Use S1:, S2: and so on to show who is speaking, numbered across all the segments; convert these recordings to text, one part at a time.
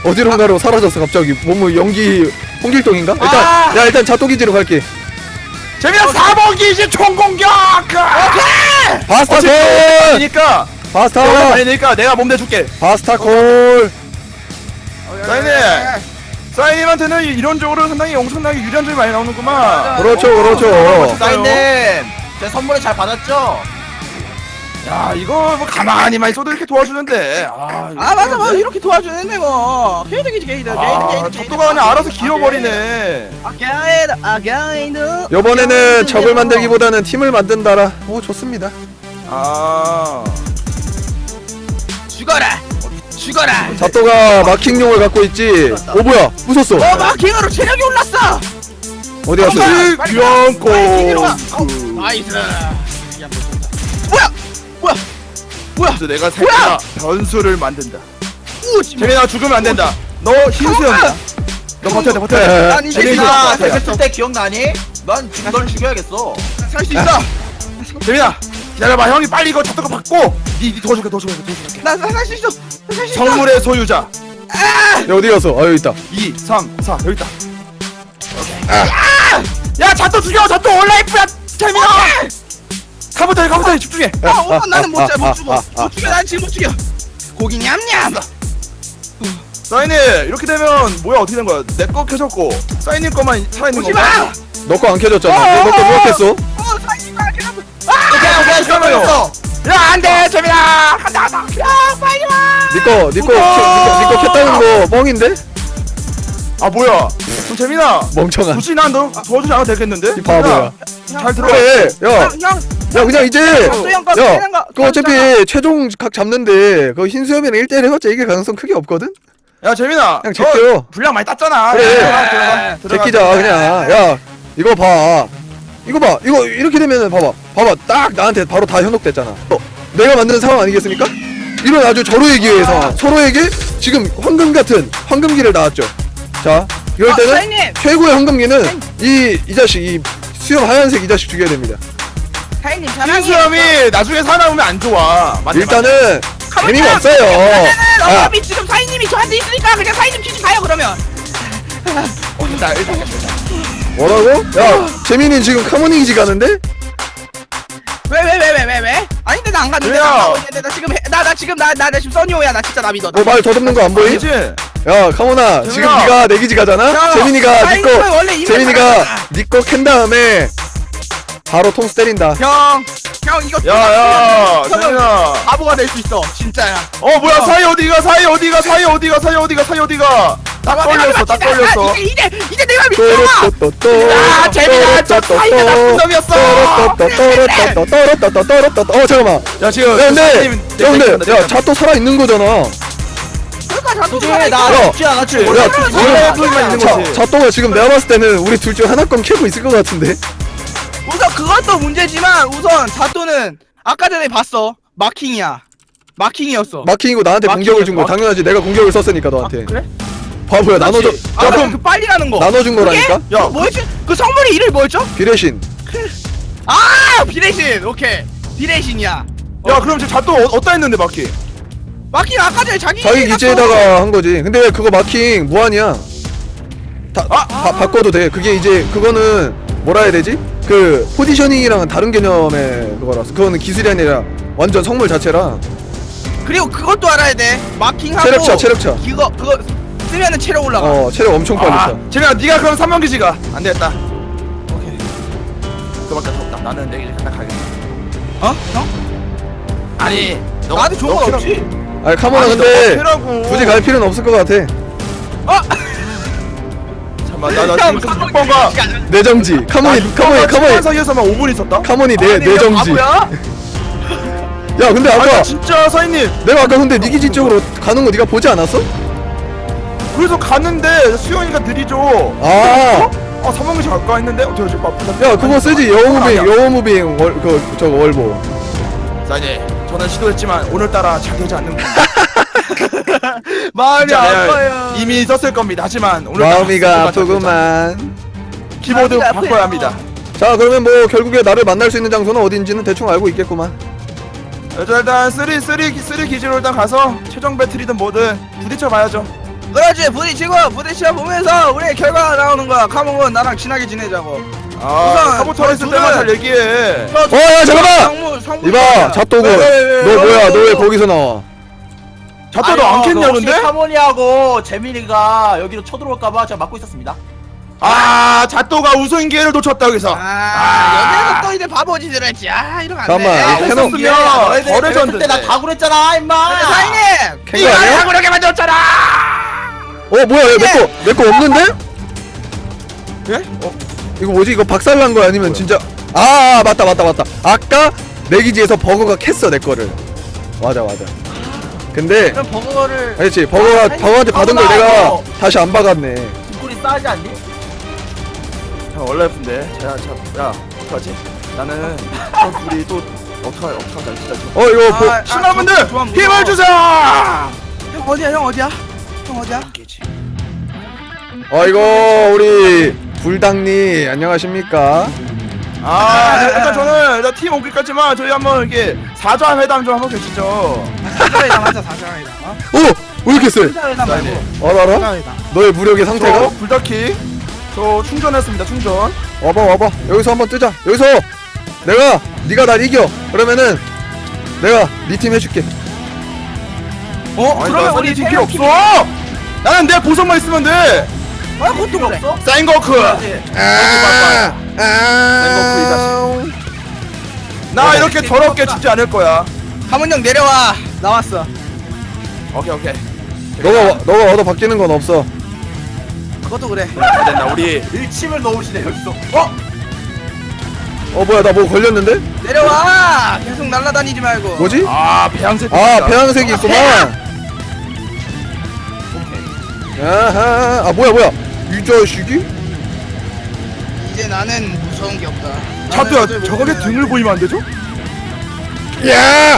S1: 어디론가로 사라졌어 갑자기. 뭐뭐 연기 홍길동인가? 일단 자토기지로 갈게.
S2: 재민아 4번 기지 총공격. 오케이.
S1: 바스타 콜.
S2: 그러니까
S1: 바스타.
S2: 아니니까 내가 몸 대줄게.
S1: 바스타 콜.
S2: 사인님한테는 이론적으로 상당히 엄청나게 유리한 점이 많이 나오는구만.
S1: 그렇죠.
S3: 사인님 제 선물을 잘 받았죠?
S2: 야 이거 뭐 가만히만 있어도 이렇게 도와주는데.
S3: 맞아 맞아 이렇게 도와주는데 뭐 게이드
S2: 족도가 그냥 알아서 길어버리네.
S1: 이번에는 적을 만들기보다는 팀을 만든다라. 오 좋습니다.
S3: 죽어라
S1: 자토가 마킹용을 갖고 있지. 오 뭐야 부쉈어.
S3: 마킹으로 체력이 올랐어.
S1: 어디 갔어?
S2: 귀여운고.
S3: 나이스. 뭐야
S2: 그래서 내가 살짝 변수를 만든다. 재민아 죽으면 안 된다. 너 흰수염이야. 너 버텨야 돼.
S3: 아니 재민아 했을 때 기억나니? 난 지금 널 죽여야겠어.
S2: 살 수 있어. 재민아 기다려봐. 형이 빨리 이거 잡도록 받고 니 도와줄게.
S3: 나 살 수 있어.
S2: 성물의 소유자.
S1: 야 어디 갔어? 여기 있다.
S2: 2, 3, 4 여기 있다. 야 잡도 죽여. 잡도 온라이프야. 재민아. 가부터 집중해.
S3: 나는 못 죽여. 난 지금 못 죽여. 고기 냠냠.
S2: 사인님 이렇게 되면 뭐야 어떻게 된 거야? 내 거 켜졌고 사인님 거만 살아있는 건가?
S1: 너 거 안 켜졌잖아. 너 거 누가 켰어?
S3: 오케이
S2: 잠깐만요. 야 안돼 재민아. 간다. 야 빨리 와.
S1: 니거 켰다는 거 뻥인데?
S2: 아 뭐야? 그럼 재민아.
S1: 멍청한.
S2: 굳이 난 너 도와주지 않아도 되겠는데?
S1: 이 바보야.
S2: 잘 들어.
S1: 그래. 야 그냥 이제. 야 그거 어차피 최종 각 잡는데 그 흰수염이랑 1대1 해봤자 이길 가능성 크게 없거든?
S2: 야 재민아.
S1: 그냥 제껴요.
S2: 분량 많이 땄잖아.
S1: 그래. 제끼자 그냥. 야 이거 봐. 이거 봐. 이거 이렇게 되면은 봐봐. 딱 나한테 바로 다 현혹됐잖아. 내가 만드는 상황 아니겠습니까? 이런 아주 절호의 기회의 상황. 서로에게 지금 황금 같은 황금기를 나왔죠. 자 이럴 때는
S3: 사장님!
S1: 최고의 황금기는 이 자식 이 수염 하얀색 이 자식 죽여야 됩니다.
S3: 사인님
S2: 흰수염이 나중에 살아오면 안 좋아. 맞네,
S1: 일단은 재미가 없어요.
S3: 어차피 지금 사인님이 저한테 있으니까 그냥 사인님 치지 가요 그러면.
S2: 나 일단
S1: 뭐라고? 야 재민이 지금 카모닝이지 가는데?
S3: 왜? 아닌데 나 안 갔는데. 나 지금 써니오야. 나 진짜 나 믿어.
S1: 말 더듬는 거 안 보이?
S2: 아니지?
S1: 야 카모나 지금 네가 내 기지 가잖아?
S3: 야,
S1: 재민이가
S3: 원래 이미
S1: 재민이가 니꺼 캔 다음에 바로 통수 때린다.
S3: 형 이거
S2: 야야 재민아.
S3: 바보가 될 수 있어 진짜야.
S2: 뭐야 사이 어디가 딱 걸렸어.
S3: 이제 내가 믿어.
S1: 야
S3: 재민아, 저 사이가 나쁜 놈이었어.
S1: 잠깐만.
S2: 야 지금
S1: 야 근데 야 자또 살아 있는 거잖아.
S3: 그러니까 자꾸
S1: 야,
S3: 죽지 않았지.
S1: 야,
S2: 원래만 있는 거지.
S1: 자또가 지금 내가 봤을 때는 우리 둘 중 하나건 캐고 있을 것 같은데.
S3: 우선 그것도 문제지만 우선 자또는 아까 전에 봤어. 마킹이었어.
S1: 마킹이고 나한테 공격을 준 거 당연하지. 내가 공격을 썼으니까 너한테.
S3: 그래?
S1: 바보야 나눠줘.
S3: 아 그럼 그 빨리라는 거.
S1: 나눠준 거라니까?
S3: 야 뭐였지? 그 성물이 이름이 뭐였죠?
S1: 비례신.
S3: 비레신. 오케이. 비레신이야.
S2: 야 그럼 지금 잣도 어디다 했는데 마킹?
S3: 마킹 아까 전에 자기
S1: 기지에다가 한 거지. 근데 그거 마킹 무한이야. 바꿔도 돼. 그게 이제 그거는 뭐라 해야 되지? 그 포지셔닝이랑은 다른 개념의 그거라서 그거는 기술이 아니라 완전 성물 자체라.
S3: 그리고 그것도 알아야 돼. 마킹하고
S1: 체력차.
S3: 그거 쓰면은 체력 올라가.
S1: 체력 엄청 빨리 차.
S2: 재민아 네가 그럼 3번 기지가 안 되겠다. 오케이. 그밖에 없다. 나는 내 기지 하나 가겠다.
S3: 형?
S2: 아니
S3: 나한테 좋은 건 없지.
S1: 아니 카모나 근데 굳이 갈 필요는 없을 것 같아.
S2: 잠깐만 나 지금 6번가
S1: 내정지. 카모니
S2: 사이에서만 5분 있었다?
S1: 카모니 내정지.
S3: 바보야?
S1: 야 근데 아까
S2: 진짜 사인님
S1: 내가 아까 근데 니 기지 쪽으로 가는 거 네가 보지 않았어?
S2: 그래서 갔는데 수영이가 느리죠. 3번 기지 갈까 했는데 어떻게 하지? 아프다.
S1: 야 그거 쓰지. 여우무빙 저거 월보.
S2: 사인님 저는 시도했지만 오늘따라 잘 되지 않는군요.
S3: 마음이
S2: 진짜
S3: 아파요.
S2: 이미 썼을 겁니다. 하지만 오늘
S1: 마음이가 아프구만.
S2: 키보드
S3: 마음이가
S2: 바꿔야
S3: 아파요.
S2: 합니다.
S1: 자 그러면 뭐 결국에 나를 만날 수 있는 장소는 어딘지는 대충 알고 있겠구만.
S2: 일단 3 기지로 일단 가서 최종 배틀이든 뭐든 부딪혀 봐야죠.
S3: 그렇지 부딪혀 보면서 우리의 결과가 나오는 거야. 카몽은 나랑 친하게 지내자고.
S2: 아
S3: 우선
S2: 카부터 했을
S3: 둘은-
S2: 때만 잘 얘기해.
S1: 야 잠깐만 이봐 잡도구 너 뭐야 너 왜 거기서 나와
S2: 자또 너 안 캤냐 근데?
S4: 카모니하고 재민이가 여기로 쳐들어올까봐 제가 막고 있었습니다.
S2: 아 자또가 우승 기회를 놓쳤다 여기서.
S3: 여기서 또 이제 바보짓을 했지. 이러면 안 돼.
S1: 잠깐만,
S3: 우선
S1: 해놓-
S3: 기회야.
S2: 너희들
S4: 어렸을
S2: 레전드인데.
S4: 때나 다구랬잖아 임마.
S3: 사인님
S1: 캔거 아니야?
S3: 다구르게 만들었잖아.
S1: 뭐야 내 거 없는데?
S2: 예?
S1: 이거 뭐지 이거 박살난 거야 아니면 진짜 맞다 아까 내 기지에서 버거가 캤어 내 거를 맞아 근데
S3: 그럼 버거를
S1: 그렇지 버거한테 받은 걸 내가
S4: 버거.
S1: 다시 안 박았네
S4: 뒷골이 싸지 않니?
S2: 자 원래 예쁜데. 야 어떡하지? 나는 저 둘이 또 어떡하자 진짜.
S1: 이거
S2: 신화분들
S3: 좋아,
S2: 힘을 주세요.
S3: 형 어디야 형 어디야?
S1: 이거 우리 불당님 안녕하십니까
S2: 일단 저는 일단 팀 오기까지만 저희 한번 이렇게 사자 회담 좀 한번 계시죠.
S3: 사자회담 하자 사자회담.
S1: 왜 이렇게 세?
S3: 사자회담 말고
S1: 알아?
S3: 사자회담.
S1: 너의 무력의 상태가?
S2: 저 불닭키 저 충전했습니다 충전.
S1: 와봐 여기서 한번 뜨자 여기서 네가 날 이겨 그러면은 내가 네 팀 해줄게
S2: 아니,
S3: 그러면
S2: 나
S3: 우리
S2: 팀 필요 없어. 나는 내 보석만 있으면 돼.
S3: 그것도 그래.
S4: 없어?
S2: 생거크. 나 이렇게 더럽게 죽지 않을 거야.
S3: 하문 형 내려와. 나왔어.
S2: 오케이.
S1: 너가 얻어 바뀌는 건 없어
S3: 그것도 그래.
S2: 안 된다 우리.
S4: 일침을 넣으시네 여기서.
S1: 뭐야 나 뭐 걸렸는데?
S3: 내려와. 계속 날아다니지 말고.
S1: 뭐지?
S2: 배양색.
S1: 배양색이 있구만 아하 뭐야 이 자식이?
S3: 이제 나는 무서운 게 없다.
S2: 자또야 저거게 등을 보이면 안 되죠?
S1: 야!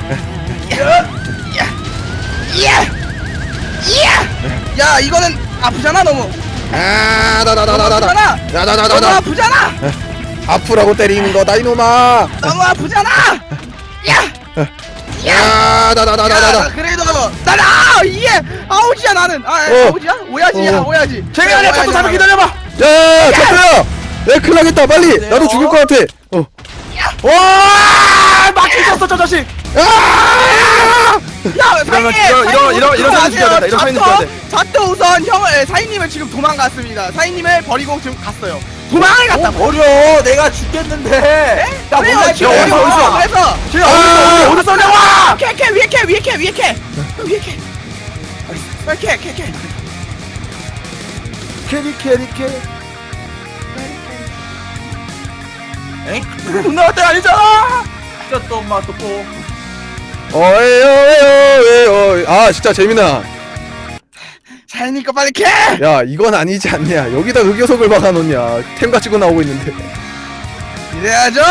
S3: 야 이거는 아프잖아 너무.
S1: 나나나나나나
S3: 너무 아프잖아.
S1: 아프라고 때리는 거다 이놈아
S3: 너무 아프잖아.
S1: 나나나나나나
S3: 그래도 나라 이게 아우지야 나는. 아우지야? 오야지야 오야지.
S2: 제가 자또 잠깐 기다려봐.
S1: 야 차트야 내 큰일 나겠다 빨리 나도 죽을 것 같아
S2: 와 막히셨어 저 자식.
S3: 야
S2: 이러면
S3: 사인님
S2: 이런 사진 찍어야 된다. 이런 사진 찍어야 돼.
S3: 자또 우선 형을 사인님을 지금 도망갔습니다. 사인님을 버리고 지금 갔어요. 도망을 갔다.
S4: 버려 내가 죽겠는데. 야
S3: 그래요,
S4: 몰라
S3: 지금
S2: 어디서, 어디서?
S3: 그래서
S2: 제가 어디 쏘냐고.
S3: 위에 캐. 빨리 캐.
S2: 캐리. 엥? 누나 때 아니잖아.
S4: 진짜 또 엄마 또 뽀.
S1: 진짜 재민아
S3: 사인님 거 빨리 캐.
S1: 야 이건 아니지 않냐 여기다 흑요석을 박아놓냐 템 가지고 나오고 있는데
S3: 이래야죠.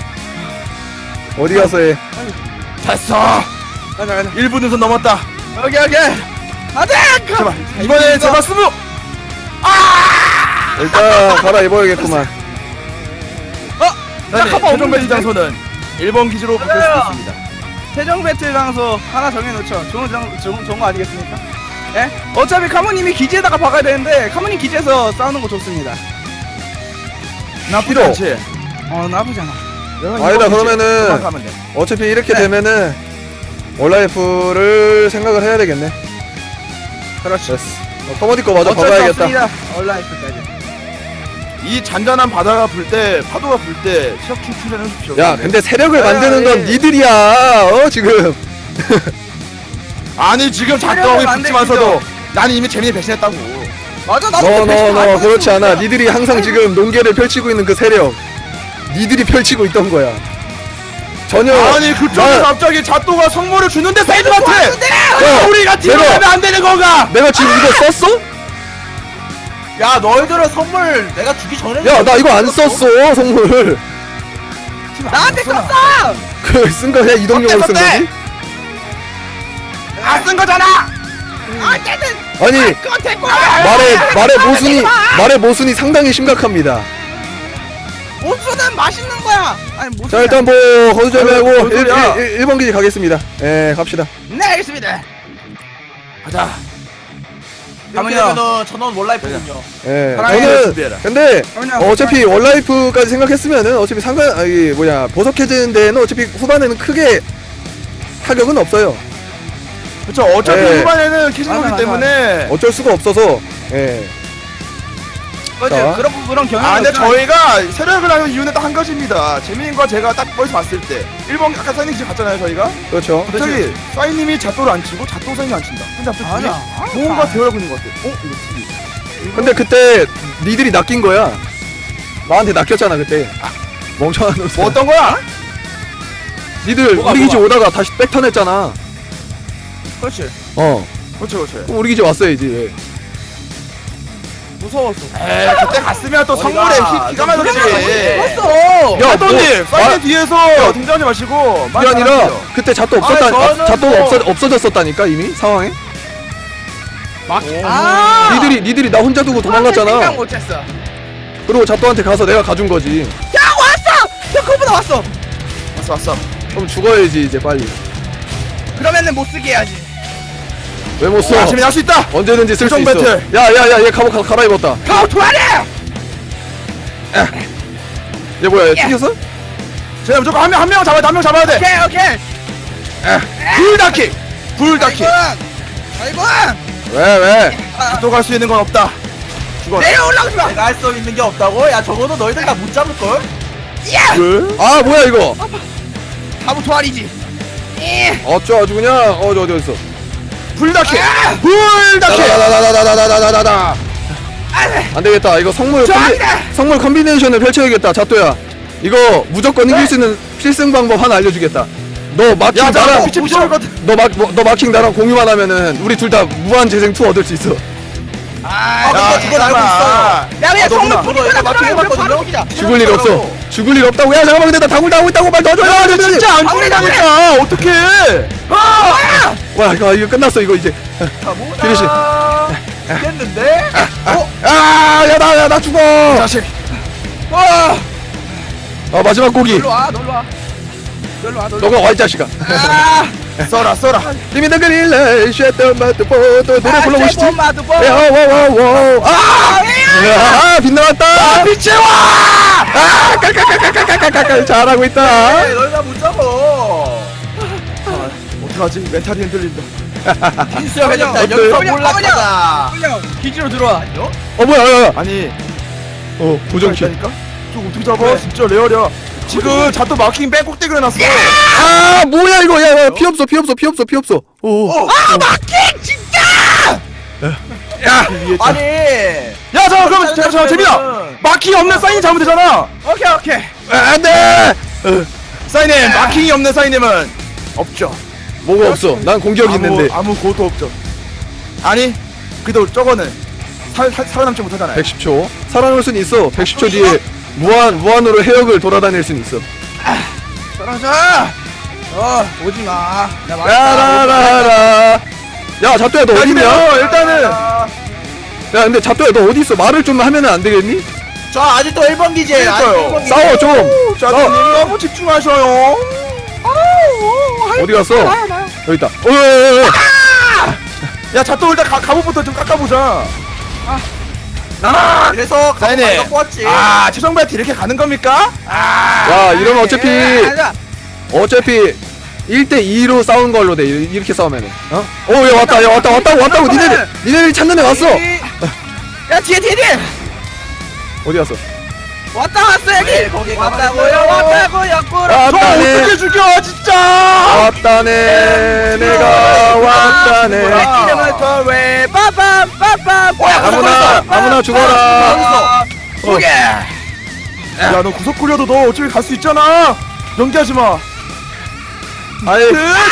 S1: 어디 가서 해
S2: 됐어.
S3: 가자.
S2: 1분 우선 넘었다.
S3: 오케이. 안돼.
S2: 제발 이번에 제발 스무.
S1: 일단 갈아입어야겠구만
S2: 최종 배치 장소는 1번 기지로 바뀔 수 있습니다.
S3: 최종 배틀 장소 하나 정해놓죠. 좋은 거 아니겠습니까? 예? 어차피 카모님이 기지에다가 박아야 되는데 카모님 기지에서 싸우는 거 좋습니다.
S2: 나쁘지
S1: 싫어.
S2: 않지?
S3: 나쁘지 않아.
S1: 아니다, 그러면은
S2: 가면 돼.
S1: 어차피 이렇게
S3: 네.
S1: 되면은 온라이프를 생각을 해야 되겠네
S3: 그렇죠.
S1: 됐어 터머니 거 마저
S3: 어쩔 수
S1: 박아야겠다
S3: 없습니다. 온라이프까지.
S2: 이 잔잔한 바다가 불 때 파도가 불 때 시작 충전해 주십시오.
S1: 야 근데 세력을
S3: 야,
S1: 만드는 건
S3: 예.
S1: 니들이야 지금
S2: 아니 지금
S3: 세력을
S2: 작동하고
S3: 만들기죠.
S2: 붙지만서도 나는 이미 재민이 배신했다고.
S3: 맞아 나도
S1: 너 그렇지 않아 니들이 항상 지금 논계를 펼치고 있는 그 세력 니들이 펼치고 있던 거야 전혀
S2: 아니 그쪽에서 갑자기 자또가 선물을 주는데 사이드한테
S1: 야,
S2: 우리가 팀을
S1: 내가-
S2: 하면 안 되는 건가?
S1: 내가 지금 이거 썼어?
S4: 야 너희들은 선물 내가 주기 전에.
S1: 야 나 이거 안 썼어 선물
S3: 나한테 썼어.
S1: 그 쓴 거 그냥 이동용으로 쓴 거지?
S2: 안쓴 거잖아.
S3: 어쨌든
S1: 아니
S3: 그거 됐고.
S1: 말의 모순이 상당히 심각합니다
S3: 모수는 맛있는 거야. 아니 모수.
S1: 자 일단 뭐 거두절 말고
S2: 뭔 소리야?
S1: 1번 기지 가겠습니다 예 갑시다
S3: 네 알겠습니다.
S2: 가자.
S4: 이렇게
S3: 가면요.
S4: 되면은 전원 원라이프군요.
S1: 예.
S3: 사랑해,
S1: 저는
S2: 준비해라.
S1: 근데
S3: 가면요.
S1: 어차피 원라이프까지 생각했으면은 어차피 보석해지는 데는 어차피 후반에는 크게 타격은 없어요.
S2: 그렇죠. 어차피
S1: 네.
S2: 후반에는 캐진
S3: 맞아,
S2: 거기
S3: 맞아.
S2: 때문에.
S1: 어쩔 수가 없어서 예.
S3: 맞아.
S1: 자.
S3: 그런 경향이.
S2: 아, 근데 저희가 세력을 하는 이유는 딱 한 가지입니다. 재민과 제가 딱 멀리서 봤을 때 1번 아까 사인님 집 갔잖아요, 저희가.
S1: 그렇죠.
S2: 갑자기 사인님이 자토를 안 치고 자토 사인이 안 친다. 근데 갑자기
S3: 맞아.
S2: 둘이 뭔가 대화하고 있는 것 같아. 이거 TV.
S1: 근데 그때 니들이 낚인 거야. 나한테 낚였잖아 그때. 멍청한 놈.
S2: 뭐 어떤 거야?
S1: 니들
S3: 뭐가,
S1: 우리 기지
S3: 뭐가?
S1: 오다가 다시 백턴했잖아.
S3: 그렇지.
S2: 그렇죠, 그렇죠.
S1: 그럼 우리 기지 왔어야지.
S3: 무서웠어.
S2: 에이, 그때 갔으면 또
S4: 어디가?
S2: 선물에 기가 막혔지.
S3: 무서웠어.
S1: 야,
S2: 사토님,
S1: 뭐,
S2: 사인님 뒤에서 등장하지 마시고.
S1: 그게 아니라 그때 잣도 없었다.
S4: 아니, 저는
S1: 잣도가
S4: 뭐-
S1: 없어졌었다니까 이미 상황에.
S3: 아.
S1: 니들이 나 혼자 두고
S3: 생각
S1: 도망갔잖아.
S3: 못했어.
S1: 그리고 잣도한테 가서 내가 가준 거지.
S3: 야 왔어. 야 그거보다 왔어.
S2: 왔어.
S1: 그럼 죽어야지 이제 빨리.
S3: 그러면은 못 쓰게 해야지.
S1: 왜 못 써?
S2: 재민 할수 있다.
S1: 언제든지 쓸 수
S2: 최종
S1: 있어.
S2: 배틀.
S1: 야야야 얘 갑옷 갈아입었다.
S3: 가오 도와내.
S1: 얘 뭐야? 얘 튕겼어?
S2: 제가 무조건 한 명 잡아야 돼. 한 명 잡아야 돼.
S3: 오케이.
S2: 불다킥. 불다킥.
S3: 아이고.
S1: 왜?
S2: 또 갈 수 있는 건 없다. 죽어.
S3: 내려 올라오지 마.
S4: 내가 할 수 있는 게 없다고? 야 적어도 너희들 다 못 잡을 걸?
S2: 왜?
S1: 아 뭐야 이거?
S3: 가오 도와리지.
S1: 어쩌 아주 그냥 어디 어딨어?
S2: 불다킥. 불다킥.
S1: 다다다다다다다다다다. 안 되겠다. 이거 성물 컴비네이션을 펼쳐야겠다. 자또야. 이거 무조건 이길 수 있는 필승 방법 하나 알려주겠다. 너 마킹
S2: 야,
S1: 나랑
S2: 빛이 비춰거든.
S1: 너 마킹 나랑 공유만 하면은 우리 둘 다 무한 재생 2 얻을 수 있어.
S4: 그건 알고 있어.
S3: 야 그냥
S2: 너구나.
S3: 성물
S4: 저도 이거 맞추고 해봤거든요?
S1: 죽을 일 없어. 죽을 일 없다고. 야 잠깐만 근데 나 당구 당하고 있다고 말 더 줘.
S2: 야, 너 진짜 안 죽는다니까. 어떡해?
S1: 와 이거 끝났어 이거 이제. 피니시.
S4: 됐는데?
S1: 아야나 죽어.
S2: 자식.
S1: 아 마지막 고기.
S3: 놀러 와. 놀러 와.
S1: 너가 와 이 자식아.
S2: 써라.
S1: 리미드 그릴레 쉐터 마트 포도 노래 불러보시지. 와와와와. 아 빛나왔다.
S2: 빛의 와.
S1: 깔깔깔깔깔깔깔 잘하고 있다.
S4: 너희 다 못 잡아.
S2: 어떡하지? 멘탈이 흔들린다.
S4: 빈수야 회장다
S1: 어때?
S4: 여기서
S3: 그냥
S4: 몰락하다.
S3: 그냥 기지로 들어와.
S1: 뭐야.
S2: 아니,
S1: 부정키.
S2: 있다니까? 저 어떻게 잡아? 진짜 레어리야. 지금 자또 마킹 맨 꼭대기로 해놨어.
S1: 아 뭐야 이거 야 피 없어. 오.
S3: 마킹 진짜.
S4: 아니.
S2: 야, 그럼 잠깐 재민아. 마킹이 없는 사인이 잡으면 되잖아.
S3: 오케이.
S1: 안돼.
S2: 사인님, 마킹이 없는 사인님은 없죠.
S1: 뭐가 없어. 난 공격이 있는데.
S2: 아무 고도 없죠. 아니, 그래도 저거는 살아남지 못하잖아요.
S1: 110초. 살아남을 순 있어. 110초 뒤에 무한으로 해역을 돌아다닐 순 있어.
S3: 떨어져. 오지 마. 나
S1: 라라라라. 야 자또야 너 어디냐?
S2: 일단은
S1: 야 근데 자또야 너 어디 있어? 말을 좀 하면은 안 되겠니?
S4: 저 아직도 1번 기지에
S2: 그러니까요.
S1: 싸워 좀.
S2: 자또님 너무 집중하셔요.
S1: 어디 갔어? 여기 있다.
S2: 야, 자또 일단 갑옷부터 좀 깎아보자.
S4: 그래서
S2: 사인님.
S4: 가방 뽑았지.
S2: 최종 배트 이렇게 가는 겁니까?
S1: 야 이러면 어차피 1대2로 싸운 걸로 돼. 이렇게 싸우면은. 야 왔다고. 니네들이 찾는 애 왔어.
S3: 야 뒤에.
S1: 어디 갔어?
S3: 왔어 여기.
S4: 왜 거기
S3: 왔다고요. 꾸러.
S2: 저 어떻게 죽여, 진짜!
S1: 왔다네. 내가 왔다네.
S3: 이름을 더왜 빠밤.
S1: 아무나 죽어라.
S3: 오케이.
S2: 야, 너 구석 굴려도 너 어차피 갈 수 있잖아. 연기하지 마.
S1: 아이.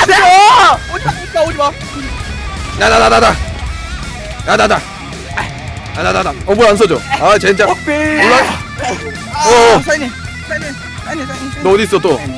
S3: 오지 마.
S1: 나나나나. 뭐야 안 써져. 아 젠장.
S3: 사인님.
S1: 너 어디 있어 또?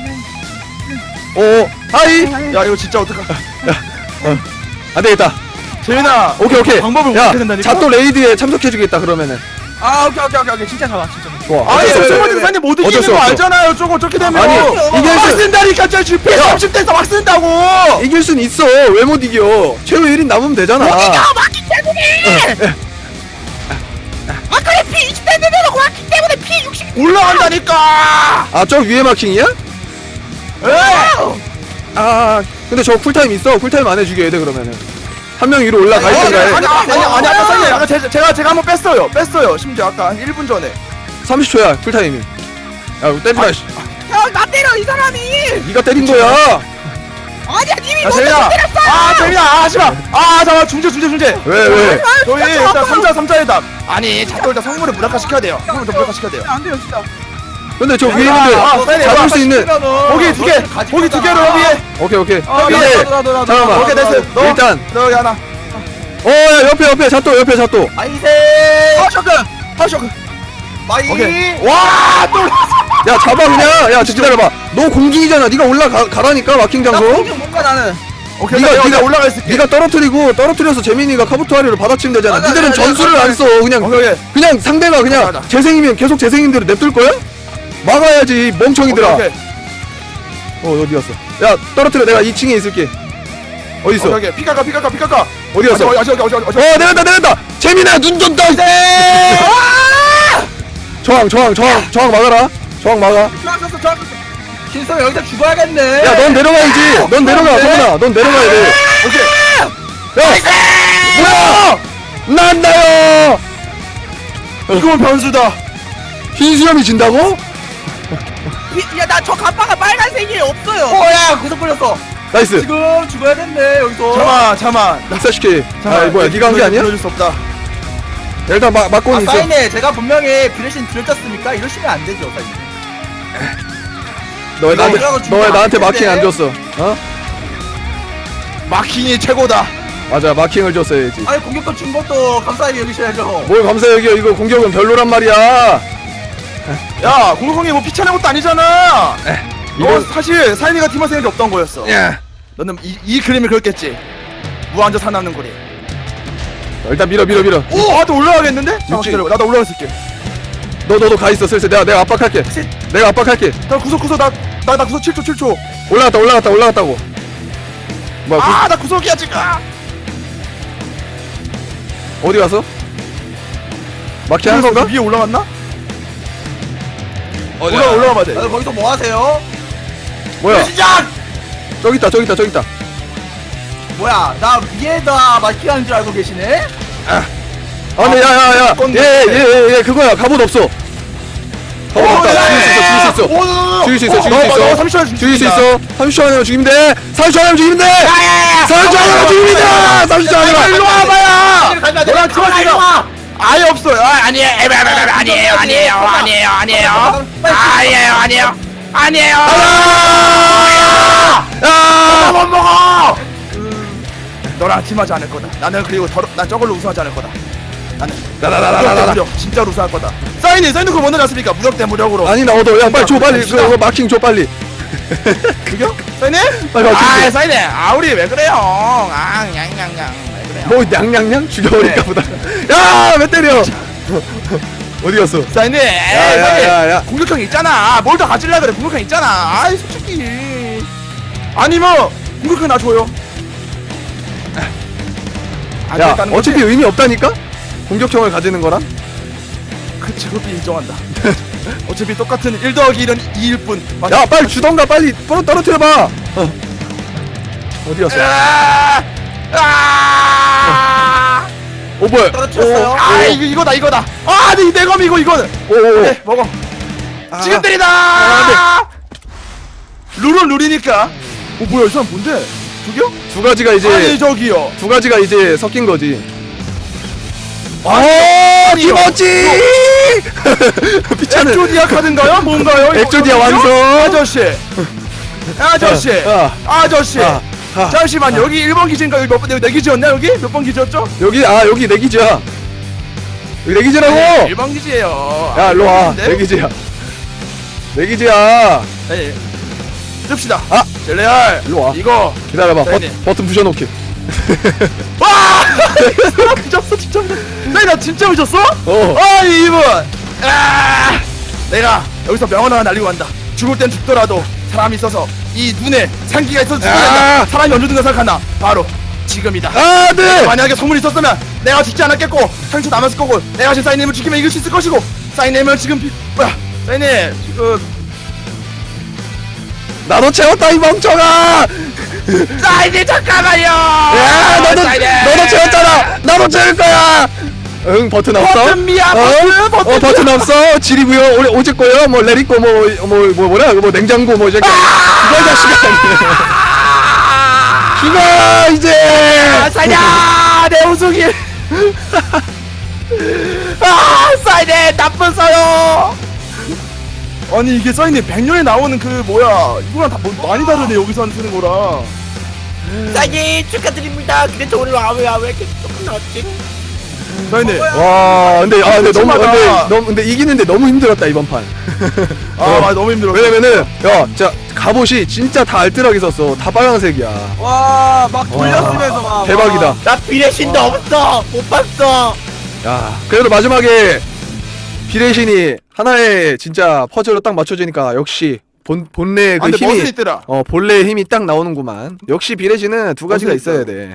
S1: 하이.
S2: 야, 이거 진짜 어떡하.
S1: 안 되겠다.
S2: 재민아.
S1: 오케이.
S2: 방법을
S1: 야,
S2: 어떻게 된다니까?
S1: 자또 레이드에 참석해주겠다 그러면은.
S3: 오케이. 진짜 잡아.
S1: 좋아.
S2: 아니,
S1: 어쩔 수 없어.
S2: 세번째 사님 못
S1: 어쩔
S2: 이기는
S1: 수
S2: 거
S1: 없어.
S2: 알잖아요. 저거 어떻게 되면.
S1: 아니, 이길
S2: 막
S1: 수-
S2: 쓴다니까, 저 GP
S1: 야.
S2: 30대에서 막 쓴다고.
S1: 이길 순 있어. 왜 못 이겨? 최후 1인 남으면 되잖아.
S3: 마킹 때문에. 아 그래 피 20대 내려고 왔기 때문에 피 60.
S2: 올라간다니까.
S1: 아, 저 위에 마킹이야? 아, 근데 저 쿨타임 있어. 쿨타임 안에 죽여야 돼 그러면은. 한 명 위로 올라가 있던가 해.
S2: 아니 아까 사장님 아까 제가 한번 뺐어요 심지어 아까 한 1분 전에
S1: 30초야 쿨타임이. 야, 때리지 마. 씨.
S3: 형나 때려 이 사람이.
S1: 네가 때린 거야.
S3: 아니야 님이
S2: 야
S3: 먼저
S2: 재민아
S3: 때렸어.
S2: 재민아 하지마 잠깐만 중재
S1: 왜?
S2: 저희 일단 3자 회담 아니 자꾸 일단 성물을 무력화 시켜야 돼요 성물을 무력화 시켜야 돼요
S3: 안 돼요 진짜.
S1: 근데 저 위에
S2: 아,
S1: 있는데 잡을 수 있는.
S2: 거기 두 개로 여기에
S1: 오케이.
S2: 여기에
S1: 잠깐만.
S2: 오케이 됐어 너
S1: 일단.
S2: 너 여기 하나
S1: 야, 옆에 잣도.
S4: 아이세
S2: 하쇼크
S4: 마이
S2: 오케이 와또
S1: 야, 잡아 그냥. 야, 기다려봐. 너 공중이잖아. 네가 올라가라니까 마킹
S3: 나
S1: 장소.
S3: 공격 뭔가 나는.
S2: 오케이
S1: 네가
S2: 내가 올라가 있을게
S1: 네가 떨어뜨려서 재민이가 카부토하리를 받아치면 되잖아.
S3: 맞아,
S1: 니들은
S3: 맞아,
S1: 전술을
S3: 맞아.
S1: 안 써. 그냥
S2: 오케이
S1: 상대가 그냥
S2: 맞아.
S1: 재생이면 계속 재생인 대로 냅둘 거야? 막아야지 멍청이들아.
S2: 오케이
S1: 어디 갔어? 야, 떨어뜨려. 내가 2층에 있을게. 어디 있어?
S2: 오케이 피카카
S1: 어디 갔어?
S2: 어디
S1: 내렸다. 재민아, 눈 좀 떠. 저항 막아라. 저항 막아.
S3: 좋았어.
S4: 신성 여기서 죽어야겠네.
S1: 야, 넌 내려가야지. 넌 내려가. 성훈아, 넌 내려가야 돼. 오케이. 야, 뭐야? 난다요.
S2: 이건 변수다
S1: 흰수염이 진다고?
S3: 야나 저 갑바가 빨간색이 없어요.
S4: 야 구석 걸렸어.
S1: 나이스.
S4: 지금 죽어야겠네 여기서.
S2: 잠깐만
S1: 익사시키. 아, 뭐야? 네가 한 게 아니야?
S2: 보여줄 수 없다
S1: 일단 막고는 있어.
S4: 사인에 제가 분명히 브레신 들었습니까? 이러시면 안 되죠 사인.
S1: 너 왜
S4: 이거 올라가서 죽으면 안
S1: 나한테
S4: 되는데?
S1: 마킹 안 줬어? 어?
S2: 마킹이 최고다
S1: 맞아, 마킹을 줬어야지.
S4: 아니 공격권 준 것도 감사하게 여기셔야죠.
S1: 뭘 감사 여기요? 이거 공격은 별로란 말이야.
S2: 야 공성이 뭐 피차는 것도 아니잖아
S1: 이거
S2: 이거 사실 사인이가 팀할 생각이 없던 거였어
S1: 야.
S2: 너는 이 그림을 그렸겠지 무한저 살아남는 거리
S1: 일단 밀어.
S2: 또 올라가겠는데? 잠깐
S1: 육지.
S2: 기다려봐 나도 올라갔을게
S1: 너도 가 있어. 슬슬 내가 압박할게. 내가 압박할게.
S2: 나 구석 나 구석 7초
S1: 올라갔다고. 뭐야?
S2: 나 구석이야 지금
S1: 어디 갔어? 마킹 한 건가?
S2: 위에 올라갔나?
S1: 어디야?
S2: 올라가봐 돼
S4: 거기서 뭐 하세요?
S1: 뭐야?
S4: 시작!
S1: 저기 있다.
S4: 뭐야 나 위에다 마킹하는 줄 알고 계시네?
S1: 근데 야야야. 얘 그거야. 갑옷 없어. 갑옷 없다. 죽일 수 있어.
S2: 너 30초 안에
S1: 죽일 수 있어. 30초 안에 죽이면 돼. 30초 안에 죽이면 돼. 30초 안에 죽이면 돼. 30초 안에.
S2: 일로 와봐야 너랑 팀할 아예 없어요 아니에요
S1: 야!
S2: 못 먹어 너랑 팀하지 않을 거다 나는 그리고 난 저걸로 우승하지 않을 거다 나는 무력 진짜로 우승할 거다 사인이 그거 뭐 넣어놨습니까 무력 대 무력으로
S1: 아니 나 얻어. 야, 빨리 줘. 빨리. 그거 마킹 줘 빨리.
S2: 그겨? 사인이?
S1: 빨리 마킹 줘.
S2: 사인이 우리 왜 그래요 냥냥냥 왜 그래요
S1: 뭐 냥냥냥 죽여버릴까 보다. 야, 왜 때려? 어디 갔어?
S2: 사인이
S1: 야.
S2: 공격형 있잖아 뭘 더 가질라 그래 공격형 있잖아 아이 솔직히 아니면 공격형 나 줘요 안
S1: 야,
S2: 됐다는 거지?
S1: 어차피 의미 없다니까? 공격형을 가지는 거랑?
S2: 그치 그것도 인정한다 어차피 똑같은 1 더하기 1은 2일 뿐
S1: 야, 빨리 주던가 빨리 떨어뜨려봐. 어디 갔어? 뭐야?
S4: 떨어뜨렸어요.
S2: 이거다 내 검이고 이거는
S1: 오.
S2: 네 먹어 지금 때리다 룰은 룰이니까 뭐야 이 사람 뭔데 저기요?
S1: 두 가지가 이제
S2: 아니 저기요
S1: 두 가지가 이제 섞인 거지.
S2: 아니요.
S1: 김어지! 피차는
S2: 엑조디아 카드인가요? 뭔가요?
S1: 엑조디아 완성.
S2: 아저씨 아저씨
S1: 아,
S2: 잠시만 여기 1번 기지인가 여기 여기 내 기지였나 여기? 몇 번 기지였죠?
S1: 여기 내 기지야. 여기 내 기지라고.
S2: 1번 기지예요
S1: 야, 일로 와.
S2: 네?
S1: 내 기지야. 내 기지야.
S2: 네. 줍시다
S1: 아!
S2: 젤레알
S1: 일로 와.
S2: 이거
S1: 기다려봐.
S2: 네네.
S1: 버튼 부셔놓게.
S2: 와! 미쳤어 진짜 나 진짜 미쳤어?
S1: 어.
S2: 이분 내가 여기서 명언 하나 날리고 간다 죽을 땐 죽더라도 사람이 있어서 이 눈에 상기가 있어서 죽어야
S1: 아!
S2: 된다 사람이 언제든가 생각한다 바로 지금이다.
S1: 아, 네.
S2: 만약에 소문이 있었으면 내가 죽지 않았겠고 상처 남았을 거고 내가 지금 사인님을 지키면 이길 수 있을 것이고 사인님은 지금 뭐야 사인님 지금
S1: 나도 채웠다 이 멍청아.
S2: 사인님 잠깐만요.
S1: 야, 너도 채웠잖아. 나도 채울 거야. 응, 버튼 없어?
S2: 버튼이야, 버튼.
S1: 버튼 없어. 지리고요. 올해 오질 거요. 뭐 레리꼬 뭐라 뭐 냉장고 뭐 저기. 그거 자식아. 죽어 이제.
S2: 사인야 내 우승이. 사인님 나쁜 서요. 아니 이게 사인님 100년에 나오는 그 뭐야 이거랑 다 많이 다르네 여기서 쓰는 거랑.
S5: 사장님 축하드립니다. 근데 저 오늘 왜 이렇게 조금 나왔지?
S2: 사인님.
S1: 와, 근데
S2: 그치마다.
S1: 근데 이기는데 너무 힘들었다 이번 판.
S2: 맞아 너무 힘들어.
S1: 왜냐면은 야, 진짜 갑옷이 진짜 다 알뜰하게 썼어. 다 빨간색이야.
S3: 와막 돌렸으면서 막
S1: 대박이다.
S5: 나 비례신도 없어. 못 봤어.
S1: 야, 그래도 마지막에 비레신이 하나의 진짜 퍼즐로 딱 맞춰지니까 역시 본래 그
S2: 근데
S1: 힘이
S2: 멋은 있더라.
S1: 본래의 힘이 딱 나오는구만. 역시 비레신은 두 가지가
S2: 멋은
S1: 있어야
S2: 있어.
S1: 돼.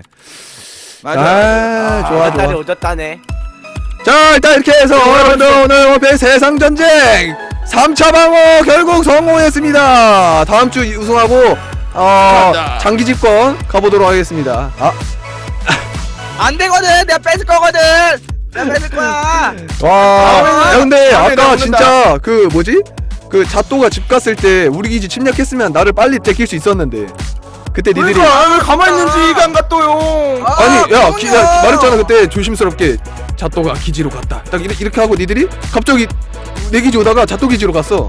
S2: 맞아.
S1: 좋아
S5: 딸이
S1: 좋아.
S5: 오졌다네.
S1: 자, 일단 이렇게 해서 여러분들 오늘 원피스 세상 전쟁 3차 방어 결국 성공했습니다. 다음 주 우승하고
S2: 감사합니다.
S1: 장기 집권 가보도록 하겠습니다.
S3: 안 되거든. 내가 뺏을 거거든. 내가 뺏을 거야.
S1: 와, 야, 근데
S2: 다음에
S1: 아까
S2: 나오는다.
S1: 진짜 그 뭐지? 그 자또가 집 갔을 때 우리 기지 침략했으면 나를 빨리 데킬 수 있었는데 그때 니들이
S2: 그러니까 왜 가만히 있는지 이해가 안 갔어요.
S1: 아니 야,
S3: 그럼요.
S1: 말했잖아 그때 조심스럽게 자또가 기지로 갔다 딱 이렇게 하고 니들이 갑자기 내 기지 오다가 자또 기지로 갔어.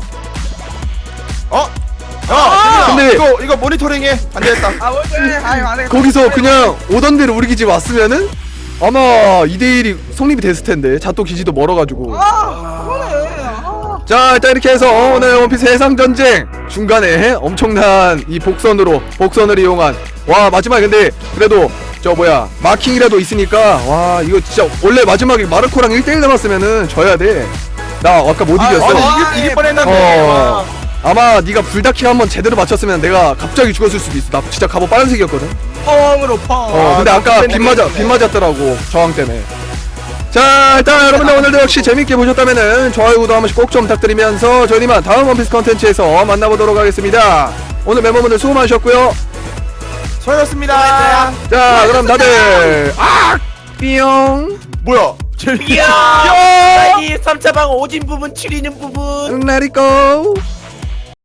S2: 야,
S1: 근데-
S2: 이거 모니터링해. 안 되겠다.
S3: 아 뭔데? 아유 안 해.
S1: 거기서 그냥 오던 대로 우리 기지 왔으면은 아마 2대1이 성립이 됐을 텐데 자또 기지도 멀어가지고.
S3: 그러네.
S1: 자, 일단 이렇게 해서 오늘 원피스 해상전쟁 중간에 엄청난 이 복선을 이용한 와 마지막에 근데 그래도 저 뭐야 마킹이라도 있으니까 와 이거 진짜 원래 마지막에 마르코랑 1대1 남았으면은 져야 돼. 나 아까 못 이겼어.
S2: 아니 이길 뻔했는데.
S1: 아마 네가 불다킹 한번 제대로 맞췄으면 내가 갑자기 죽었을 수도 있어. 나 진짜 갑옷 빨간색이었거든.
S3: 펑으로 펑.
S1: 근데 아까
S2: 팬
S1: 빗 맞았더라고 저항 때문에. 자, 일단 여러분들 오늘도 역시 재밌게 보셨다면은 좋아요 구독 한 번씩 꼭 좀 부탁드리면서 저희는 이만 다음 원피스 컨텐츠에서 만나보도록 하겠습니다. 오늘 멤버분들 수고 많으셨고요.
S2: 수고하셨습니다.
S1: 자, 그럼 다들 뿅
S2: 뭐야? 재밌게.
S5: 이야. 3차 방 오진 부분, 7이는 부분.
S1: Let it go.